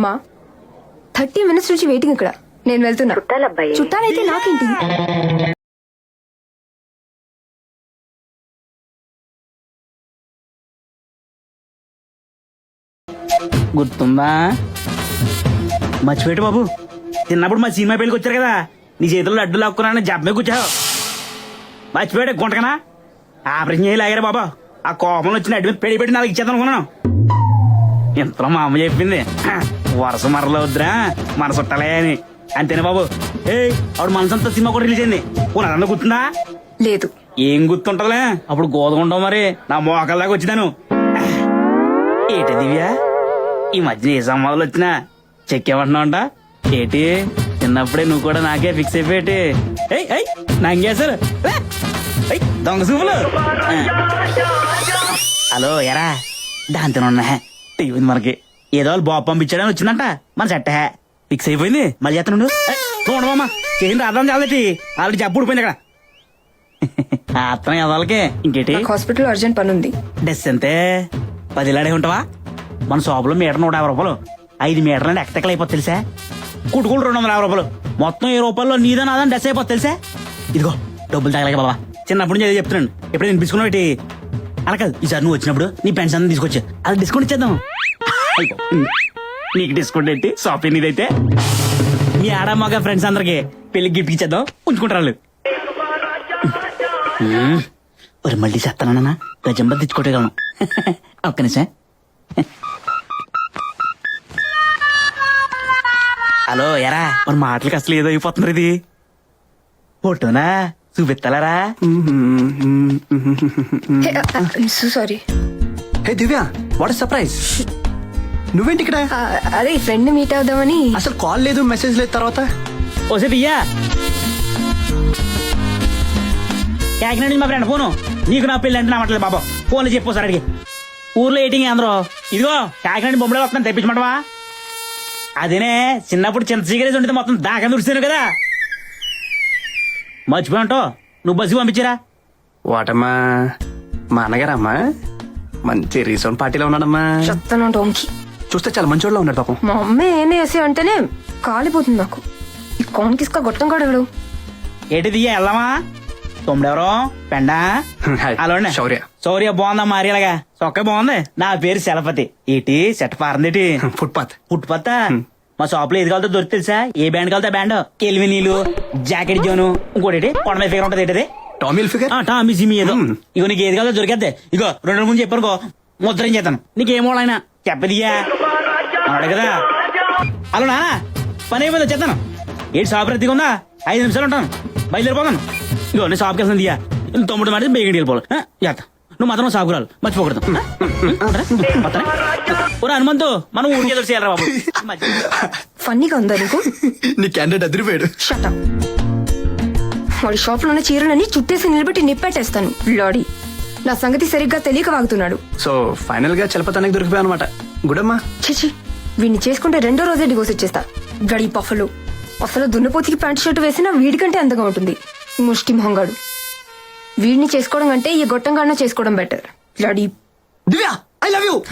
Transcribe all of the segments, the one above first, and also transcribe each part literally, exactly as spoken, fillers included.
అమ్మా thirty minutes నుంచి waiting ఇక్కడ. నేను వెళ్తున్నా. చుట్టాలబ్బాయి. చుట్టాలైతే నాకేంటి? గుర్తుందా? మర్చిపోయాడు బాబు, చిన్నప్పుడు మా సినిమా పెళ్ళికి వచ్చారు కదా, నీ చేతుల్లో అడ్డు లాక్కున్నాను జబ్బే కూర్చావు. మర్చిపోయాడు గుంటకనా? ఆపరేషన్ చేయలేగారా బాబా, ఆ కోపంలో వచ్చిన అడ్డు మీద పెడి పెట్టి నాకు ఇచ్చేద్దాం అనుకున్నాను. ఇంతలో మా అమ్మ చెప్పింది, వరుస మరలో వద్దురా మన చుట్టాలే అని. అంతేనా బాబు? ఏ ఆవిడ మనసంతా సినిమా కూడా రిలీజ్ అయింది. పునరన్న గుర్తుందా? లేదు. ఏం గుర్తుంటదిలే, అప్పుడు గోదగుంటావు మరి నా మోకాల దాకా వచ్చినాను. ఏటి దివ్య, ఈ మధ్యన ఏ సంవాదాలు వచ్చినా చెక్కేమంటున్నావు అంట ఏటి? చిన్నప్పుడే నువ్వు కూడా నాకే ఫిక్స్ అయిపోయేటి. నాంగేశారు దొంగ చూపులు. హలో ఎరా, దాంతో ఉన్నా టీవీ మనకి ఏదో వాళ్ళు బాబు పంపించాడని వచ్చిందంట, మన సెట్ ఫిక్స్ అయిపోయింది. మళ్ళీ చేస్తాను చూడమమ్మా, చేసిన అర్థం చాలటి ఆల్రెడీ జబ్బు ఊడిపోయింది అక్కడ. అర్థం ఎదలకి ఇంకేటి? హాస్పిటల్ అర్జెంట్ పని ఉంది. డెస్ అంతే పదిలాడే ఉంటావా? మన షాపులో మీటర్ నూట యాభై రూపాయలు, ఐదు మీటర్లు ఎక్కతెక్కలు అయిపోతుంది తెలుసా? కుట్టుకులు రెండు వందల యాభై రూపాయలు, మొత్తం ఏ రూపాయల్లో నీదా నాదని డెస్ అయిపోతుంది తెలుసా? ఇదిగో డబ్బులు తగలేక బాబా, చిన్నప్పుడు నుంచి అదే చెప్తున్నాను. ఎప్పుడు నేను తీసుకున్నావు ఏంటి? అలా కాదు, ఈసారి నువ్వు వచ్చినప్పుడు నీ పెన్షన్ అంతా తీసుకొచ్చా, అది డిస్కౌంట్ ఇచ్చేద్దాం. నీకు డిస్కౌంట్ ఏంటి? షాపింగ్ ఇదైతే మీ ఆడ మగ ఫ్రెండ్స్ అందరికి పెళ్లి గిఫ్ట్ ఇచ్చేద్దాం, ఉంచుకుంటారు. మరి మళ్ళీ చేస్తానన్నా గజంబర్ తెచ్చుకోవటం ఒక్క నిమిషం. హలో ఎరా, మన మాటలకి అసలు ఏదో అయిపోతున్నారు. ఇది ఫోటోనా చూపిస్తారా? Sorry. Hey Divya, what surprise! నువ్వేంటి ఇక్కడ? అదే ఫ్రెండ్ మీట్ అవుదామని. అసలు కాల్ లేదు, మెసేజ్ లేదు. తర్వాత ఓసే దియ్యా, కాకినాడ నుంచి మా ఫ్రెండ్ ఫోను, నీకు నా పెళ్ళి అంటే నా మాటలేదు బాబా, ఫోన్లో చెప్పు సార్ అడిగి. ఊర్లో ఏటింగ్ అందరూ ఇదిగో కాకినాడ బొమ్మలే వస్తున్నాను, తెప్పించమంటవా? అదేనే చిన్నప్పుడు చింత సిగరేజ్ ఉంటే మొత్తం దాకా దుడిచాను కదా, మర్చిపోయాంటో. నువ్వు బస్సు పంపించారా? వాటమ్మా మా అన్నగారమ్మా, మంచి రీసౌండ్ పార్టీలో ఉన్నాడమ్మా. చెప్తాను టోంకి. చూస్తే చాలా మంచోళ్ళలో ఉన్నాడు పాపం. మా అమ్మ ఏమే వేసి అంటేనే కాలిపోతుంది నాకు. ఈ కోన్ కిస్కా గొట్టం కాడెవడు? ఏటి దియ్యా వెళ్దామా? తొమ్మిడెవరో పెండా అలా శౌర్య. శౌర్య బాగుందా మారేలాగా? సొక్క బాగుంది. నా పేరు శలపతి. ఏటి సెట్ పారందేటి? ఫుట్పాత్. ఫుట్పాత్ మా షాప్ లో ఏది కావాలో దొరికి తెలుసా? ఏ బ్యాండ్ కావాలో బ్యాండ్, కెల్వి నీళ్ళు, జాకెట్ జోను, ఇంకోటి కొండ ఫిగర్ ఉంటది ఏంటది, టామిల్ ఫిగర్, టామీ సిమి ఏదో. ఇగో నీకు ఏది కావాలో దొరికేద్దే. ఇగో రెండు రోజుల ముందు చెప్పానుకో ముద్రం చేస్తాను. నీకేమో ఆయన చెప్పదియ్యా అన్నాడు కదా. అలా నా పని అయిపోయింది, వచ్చేస్తాను. ఏంటి షాప్ రద్దీగా ఉందా? ఐదు నిమిషాలు ఉంటాను, బయలుదేరిపోతాను. ఇగో నేను షాప్కి వెళ్తాను దియ్యా, తొమ్మిది మాట బేగండి వెళ్ళిపోవాలి. చేస్తా, నువ్వు మాత్రం షాప్కి రావాలి, మర్చిపోకూడదు. హనుమంతు మనం ఊరికి ఎదురు చేయాలరా బాబు. ఫన్నీగా ఉందా నీకు? నీ క్యాండిడేట్ అదిరిపోయాడు. Shut up. వాడి షాప్ లోనే చీరలని చుట్టేసి నిలబెట్టి నిప్పెట్టేస్తాను. లాడీ నా సంగతి సరిగ్గా తెలియక వాగుతున్నాడు. సో ఫైనల్ గా చలపతానికి దొరికిపోయా అనమాట. గుడమ్మా. చిచి, వీడిని చేసుకుంటే రెండో రోజే డివోర్స్ ఇచ్చేస్తా. గడి పఫలు. అసలు దున్నపోతికి ప్యాంట్ షర్ట్ వేసినా వీడికంటే అందంగా ఉంటుంది ముష్టి మొహంగాడు. వీడిని చేసుకోవడం కంటే ఈ గొట్టంగాడిన చేసుకోవడం బెటర్. లాడీ. Divya, I love you.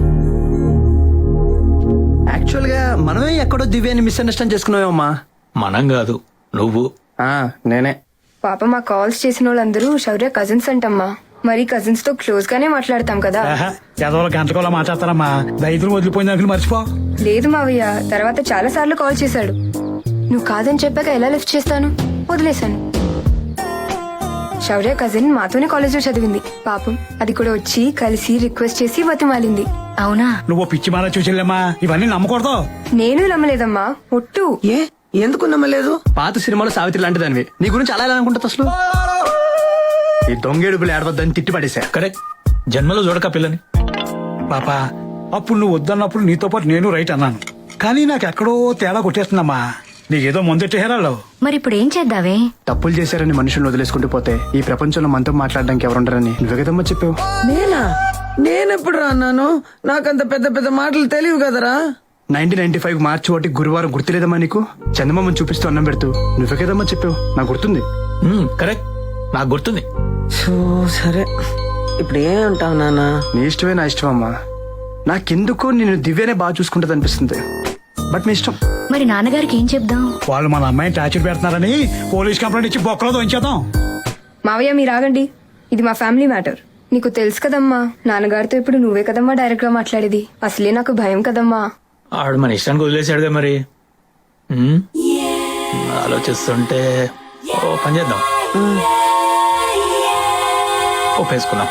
Actual గా మనమే ఎక్కడో దివ్యాని మిస్అండర్స్టాండ్ చేసుకున్నావేమమ్మా. మనం కాదు, నువ్వు. నేనే. పాప మా కాల్స్ చేసిన వాళ్ళందరూ శౌర్య కజిన్స్ అంటమ్మా. మరి కజిన్స్ తో క్లోజ్ గానే మాట్లాడతాం కదా. చదవలో గంటకోలా మాట్లాడతారమ్మా, దైతులు వదిలిపోయిన దానికి మర్చిపో. లేదు మావయ్య, తర్వాత చాలా సార్లు కాల్ చేశాడు. నువ్వు కాదని చెప్పాక ఎలా లిఫ్ట్ చేస్తాను? వదిలేశాను. శౌర్య కజిన్ మాతోనే కాలేజ్ లో చదివింది. పాపం అది కూడా వచ్చి కలిసి రిక్వెస్ట్ చేసి బతిమాలింది. అవునా? నువ్వు పిచ్చి మాల చూసేళ్ళమ్మా, ఇవన్నీ నమ్మకూడదు. నేను నమ్మలేదమ్మా, ఒట్టు. ఏ ఎందుకు నమ్మలేదు? పాత సినిమాలో సావిత్రి లాంటి దానివి, నీ గురించి అలా ఎలా అనుకుంటా అసలు? ఈ దొంగేడుపులు ఏడవద్దని తిట్టి పడేసా. కరెక్ట్, జన్మలో చూడక పిల్లని. పాపా, అప్పుడు నువ్వు వద్దన్నప్పుడు నీతో పాటు నేను రైట్ అన్నాను, కానీ నాకు ఎక్కడో తేడా కొట్టేస్తుందమ్మా. నీకేదో ముందెట్టే హేరాలో. మరి ఇప్పుడు ఏం చేద్దావే? తప్పులు చేశారని మనుషులను వదిలేసుకుంటూ పోతే ఈ ప్రపంచంలో మనతో మాట్లాడడానికి ఎవరుండరని నువ్వే కదమ్మా చెప్పావు. నేనా? నేనెప్పుడు రా అన్నాను? నాకంత పెద్ద పెద్ద మాటలు తెలియవు కదరా. నైన్టీన్ నైన్టీ ఫైవ్ మార్చి ఒకటి గురువారం గుర్తులేదమ్మా నీకు? చందమామని చూపిస్తూ అన్నం పెడుతూ నువ్వే కదమ్మా చెప్పావు, నాకు గుర్తుంది. కరెక్ట్, నాకు గుర్తుంది. సరే, ఇప్పుడు ఏమంటావు నాన్న? నీ ఇష్టమే నా ఇష్టం అమ్మా. నాకెందుకో నేను దివ్యనే బాగా చూసుకుంటది అనిపిస్తుంది. బట్ మీ ఇష్టం. మరి నాన్నగారికి ఏం చెప్దాం? వాళ్ళు మన అమ్మాయిని టార్చర్ పెడుతున్నారని పోలీస్ కంప్లైంట్ ఇచ్చి బొక్కలో దొంచేద్దాం. మావయ్య మీరు ఆగండి, ఇది మా ఫ్యామిలీ మ్యాటర్. నీకు తెలుసు కదమ్మా, నాన్నగారితో ఇప్పుడు నువ్వే కదమ్మా డైరెక్ట్ గా మాట్లాడేది. అసలే నాకు భయం కదమ్మా. ఆడు మన ఇష్టానికి వదిలేసాడుగా మరి. ఉమ్, ఆలోచిస్తుంటే ఓ పని చేద్దాం, ఒప్పేసుకుందాం.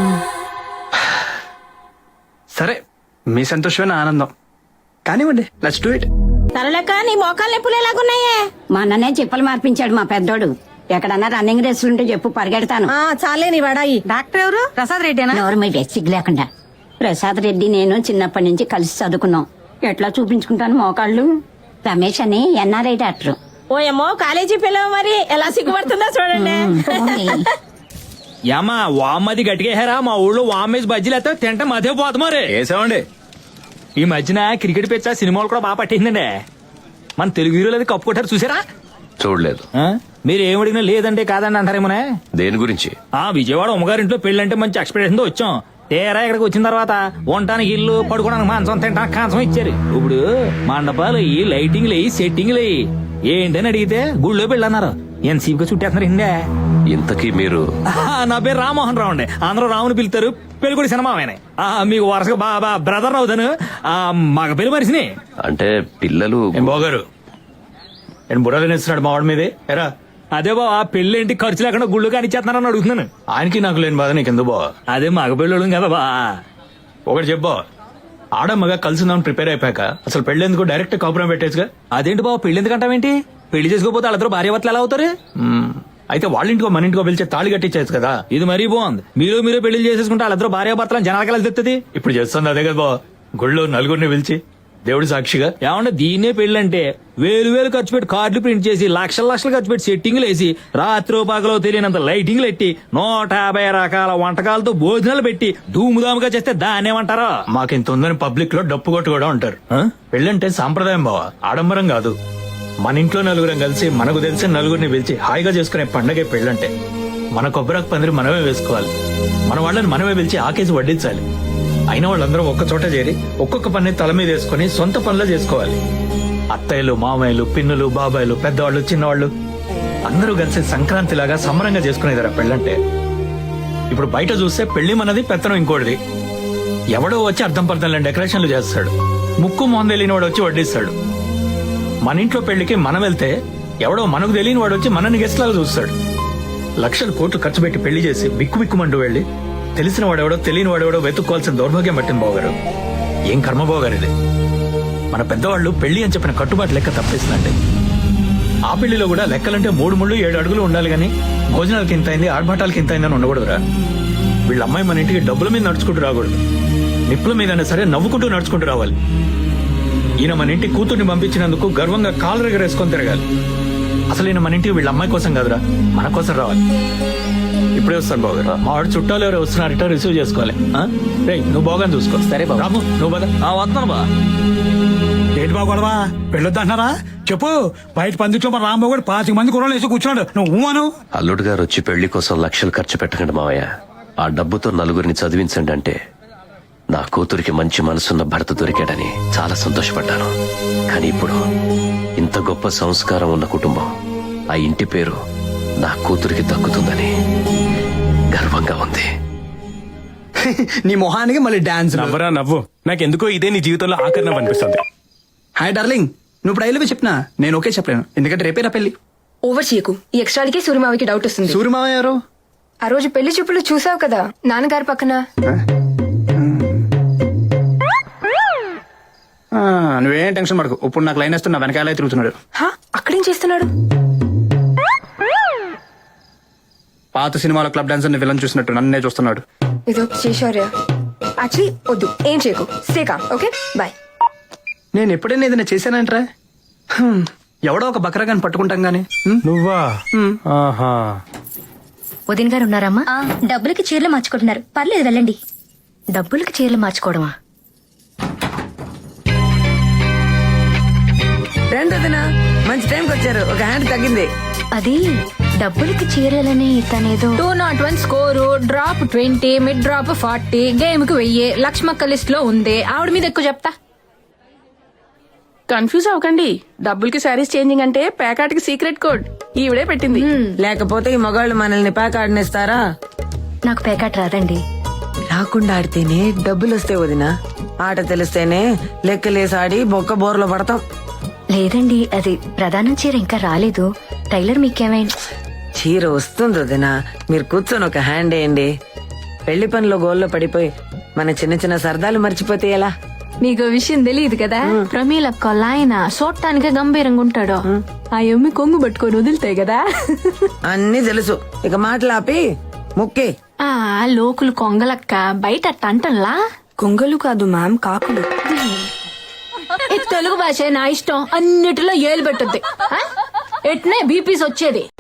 సరే, మీ సంతోషమైన ఆనందం కానివ్వండి. Let's do it. తరలేక నీ మోకాలు నొప్పులు ఎలాగున్నాయే? మా అన్ననే చెప్పులు మార్పించాడు మా పెద్దోడు. ఎక్కడన్నా రన్నింగ్ రేసులుంటే చెప్పు, పరిగెడతాను. చాలే నీ వడాయి. డాక్టర్ ఎవరు? ప్రసాద్ రెడ్డి. ఎవరు మీ సిగ్గు లేకుండా. ప్రసాద్ రెడ్డి నేను చిన్నప్పటి నుంచి కలిసి చదువుకున్నాం. ఎట్లా చూపించుకుంటాను మోకాళ్ళు? రమేష్ అని ఎన్ఆర్ఐ డాక్టర్. ఓ ఏమో కాలేజీ పిల్లలు మరి ఎలా సిగ్గుపడుతుందో చూడండి. యామా వామ్మది గట్టిగేహారా? మా ఊళ్ళో వామ్మేసి బజ్జీలు అయితే తింటే మధ్య పోతు మరి. వేసామండి. ఈ మధ్యన క్రికెట్ పిచ్చ సినిమాలు కూడా బాగా పట్టిందండి. మన తెలుగు హీరోలు అది కప్పు కొట్టారు చూసారా? చూడలేదు. ఆ? మీరు ఏం అడిగినా లేదంటే కాదండి అంటారేమోనే. దేని గురించి? ఆ విజయవాడ ఉమ్మగారింట్లో పెళ్ళంటే మంచి ఎక్స్పెక్టేషన్ తో వచ్చాం. తేరా ఇక్కడికి వచ్చిన తర్వాత ఉండటానికి ఇల్లు, పడుకోవడానికి మాంసం, తింటానికి కాంసం ఇచ్చారు. ఇప్పుడు మండపాలు అయ్యి, లైటింగ్లు అయ్యి, సెట్టింగ్లు అయ్యి, ఏంటని అడిగితే గుళ్ళో పెళ్ళి అన్నారు. ఎంత సీపుగా చుట్టేస్తున్నారు హిందే. ఇంతకీ మీరు? నా పేరు రామ్మోహన్ రావు అండి. అందరూ రావుని పిలుతారు. పెళ్లి కూడా సినిమా ఆయన. మీకు వరుసగా బాబా బ్రదర్ అవుతాను. మగ పెళ్లి మనిషిని. అంటే పిల్లలు? ఏం బాగారు నేను బుర్రలు నేస్తున్నాడు మా వాడి మీదే. ఎరా అదే బావా, పెళ్లి ఏంటి ఖర్చు లేకుండా గుళ్ళు కానిచ్చేస్తున్నారని అడుగుతున్నాను. ఆయనకి నాకు లేని బాధ నీకు ఎందుకు బావ? అదే మగ పెళ్ళోడు కదా బా. ఒకటి చెప్పు, ఆడమ్మగా కలిసిందామని ప్రిపేర్ అయిపోయాక అసలు పెళ్ళేందుకు డైరెక్ట్ కాపురం పెట్టేసుగా. అదేంటి బావ, పెళ్లి ఎందుకంటావేంటి? పెళ్లి చేసుకోపోతే వాళ్ళిద్దరు భార్యాభర్తలు ఎలా అవుతారు? మ్మ్. అయితే వాళ్ళ ఇంటికో మన ఇంటికో పిలిచే తాళి కట్టించేది కదా. ఇది మరీ బాగుంది. మీరు మీరు పెళ్లి చేసేసుకుంటే వాళ్ళిద్దరు భార్యాభర్తలను జనాలకి ఎలా తెస్తుంది? ఇప్పుడు చేస్తుంది అదే కదా బావ, గుళ్ళో నలుగురిని పిలిచి దేవుడి సాక్షిగా. ఏమంటే దీన్నే పెళ్ళంటే వేలు వేలు ఖర్చు పెట్టి కార్డులు ప్రింట్ చేసి లక్షల లక్షలు ఖర్చు పెట్టి సెట్టింగ్లు వేసి రాత్రి పగలో తెలియనంత లైటింగ్లు పెట్టి నూట యాభై రకాల వంటకాలతో భోజనాలు పెట్టి ధూముధాముగా చేస్తే దాన్ని ఏమంటారా? మాకింత ఉందని పబ్లిక్ లో డప్పు కొట్టు కూడా ఉంటారు. ఆ? పెళ్ళంటే సాంప్రదాయం బావ, ఆడంబరం కాదు. మన ఇంట్లో నలుగురం కలిసి మనకు తెలిసిన నలుగురిని పిలిచి హాయిగా చేసుకునే పండగే పెళ్ళంటే. మన కొబ్బరాకు పందిరి మనమే వేసుకోవాలి, మన వాళ్ళని మనమే పిలిచి ఆకేసి వడ్డించాలి. అయిన వాళ్ళందరూ ఒక్క చోట చేరి ఒక్కొక్క పని తల మీద వేసుకుని సొంత పనులు చేసుకోవాలి. అత్తయ్యలు, మామయ్యలు, పిన్నులు, బాబాయ్లు, పెద్దవాళ్ళు, చిన్నవాళ్ళు అందరూ కలిసి సంక్రాంతి లాగా సంబరంగా చేసుకునేదారా పెళ్ళంటే. ఇప్పుడు బయట చూస్తే పెళ్లి మనది, పెత్తనం ఇంకోటిది. ఎవడో వచ్చి అర్థం పర్థం డెకరేషన్లు చేస్తాడు, ముక్కు మొహం తెలియని వాడు వచ్చి వడ్డిస్తాడు. మన ఇంట్లో పెళ్లికి మనం వెళ్తే ఎవడో మనకు తెలియని వాడు వచ్చి మనని గెస్ట్ లాగా చూస్తాడు. లక్షలు కోట్లు ఖర్చు పెట్టి పెళ్లి చేసి బిక్కు బిక్కుమంటూ వెళ్ళి తెలిసిన వాడెవడో తెలియని వాడెవడో వెతుక్కోవాల్సిన దౌర్భాగ్యం పట్టింది బావగారు. ఏం కర్మ బావగారు ఇది. మన పెద్దవాళ్ళు పెళ్లి అని చెప్పిన కట్టుబాటు లెక్క తప్పేసిందండి. ఆ పెళ్లిలో కూడా లెక్కలంటే మూడు ముళ్ళు ఏడు అడుగులు ఉండాలి గానీ భోజనాలకి ఇంత అయింది, ఆర్భాటాలకి ఇంత అయిందని ఉండకూడదురా. వీళ్ళ అమ్మాయి మన ఇంటికి డబ్బుల మీద నడుచుకుంటూ రాకూడదు, నిప్పుల మీదైనా సరే నవ్వుకుంటూ నడుచుకుంటూ రావాలి. ఈయన మన ఇంటి కూతుర్ని పంపించినందుకు గర్వంగా కాలు రెగరేసుకొని తిరగాలి. అసలు ఈయన మన ఇంటికి వీళ్ళ అమ్మాయి కోసం కాదురా, మన కోసం రావాలి. ఇప్పుడే వస్తాను బావగారు, మా వాడు చుట్టాలు ఎవరు వస్తున్నారట, రిసీవ్ చేసుకోవాలి. రేయ్ నువ్వు బాగా చూసుకో. సరే బాబు. రాము నువ్వు బాగా వస్తున్నాను బా. ఏంటి బాగా గొడవ? పెళ్ళొద్దంటున్నారా? చెప్పు. బయట పందిట్లో మన రాంబాబు కూడా పాతిక మంది కుర్రలు వేసి కూర్చున్నాడు, నువ్వు అను. అల్లుడు గారు వచ్చి పెళ్లి కోసం లక్షలు ఖర్చు పెట్టకండి మావయ్య, ఆ డబ్బుతో నలుగురిని చదివించండి అంటే నా కూతురికి మంచి మనసున్న భర్త దొరికాడని చాలా సంతోషపడ్డాను. కానీ ఇప్పుడు ఇంత గొప్ప సంస్కారం ఉన్న కుటుంబం, ఆ ఇంటి పేరు నా కూతురికి దక్కుతుందని గర్వంగా ఉంది. నీ మొహానికి మళ్ళీ డాన్స్. నవ్వరా నవ్వు, నాకెందుకో ఇదే నీ జీవితంలో ఆఖరి నవ్వు అనిపిస్తుంది. హాయ్ డార్లింగ్, నువ్వు ఇప్పుడు ఐలవి చెప్పినా నేను ఓకే చెప్పలేను, ఎందుకంటే రేపే నా పెళ్లి. ఓవర్ చేయకు, ఈ ఎక్స్ట్రాలకే సూర్యమావికి డౌట్ వస్తుంది. సూర్యమావ ఎవరు? ఆ రోజు పెళ్లి చూపులు చూసావు కదా నాన్నగారి పక్కన. ఆ, నువ్వేం టెన్షన్ పడకు, ఇప్పుడు నాకు లైన్ వేస్తున్నా వెనకాలే తిరుగుతున్నాడు. హా, అక్కడేం చేస్తున్నాడు? పాత సినిమాలో క్లబ్ డాన్సర్ విలన్ చూసినట్టు నన్నే చూస్తున్నాడు. ఇదో చేశారా? యాక్చువల్లీ వద్దు, ఏం చేయకు, స్టేకా. Okay bye. నేను ఎప్పుడైనా ఏదైనా చేశానంట్రా? హ్మ్, ఎవడో ఒక బకరాగాని పట్టుకుంటాం గానీ. హ్మ్? నువ్వా? ఆహా. వదిన గారు ఉన్నారమ్మా? డబ్బులకి చీరలు మార్చుకుంటున్నారు, పర్లేదు వెళ్ళండి. డబ్బులకి చీరలు మార్చుకోవడమా? రెండోదినా మంచి టైంకి వచ్చారు, ఒక హ్యాండ్ తగ్గింది. అది డబ్బులకి చీరలని తనేదో. Two nought one score, drop twenty, mid drop forty, game కు వెయ్యి. లక్ష్మక్క లిస్ట్ లో ఉంది, ఆవిడ మీద ఎక్కువ చెప్తా. కన్ఫ్యూజ్ అవ్వకండి డబ్బులకి శారీస్ చేంజింగ్ అంటే ప్యాకాట్ కి సీక్రెట్ కోడ్ ఈవిడే పెట్టింది లేకపోతే ఈ మగాళ్ళు మనల్ని ప్యాక్ ఆడినేస్తారా? నాకు పేకాట రాదండి. రాకుండా ఆడితేనే డబ్బులు వస్తాయి వదినా. ఆట తెలిస్తేనే లెక్కలేసి ఆడి బొక్క బోర్లో పడతాం. లేదండి, అది ప్రధానం చీర ఇంకా రాలేదు. టైలర్ మీకేమైనా చీర వస్తుంది వదినా, మీరు కూర్చొని ఒక హ్యాండ్ వేయండి. పెళ్లి పనిలో గోల్లో పడిపోయి మన చిన్న చిన్న సరదాలు మర్చిపోతే ఎలా? నీకు విషయం తెలియదు కదా, ప్రమీల కొల్ల ఆయన చూడటానికే గంభీరంగా ఉంటాడు. ఆ ఎమ్మి కొంగు పట్టుకొని వదులుతాయి కదా. అన్నీ తెలుసు, ఇక మాటలాపి ముక్కే. ఆ లోకులు కొంగలక్క బయట అట్ట అంటల్లా. కొంగలు కాదు మ్యామ్, కాకులు. ఈ తెలుగు భాష నా ఇష్టం, అన్నిటిలో ఏలు పెట్టద్ది. ఎట్నే బీపీస్ వచ్చేది.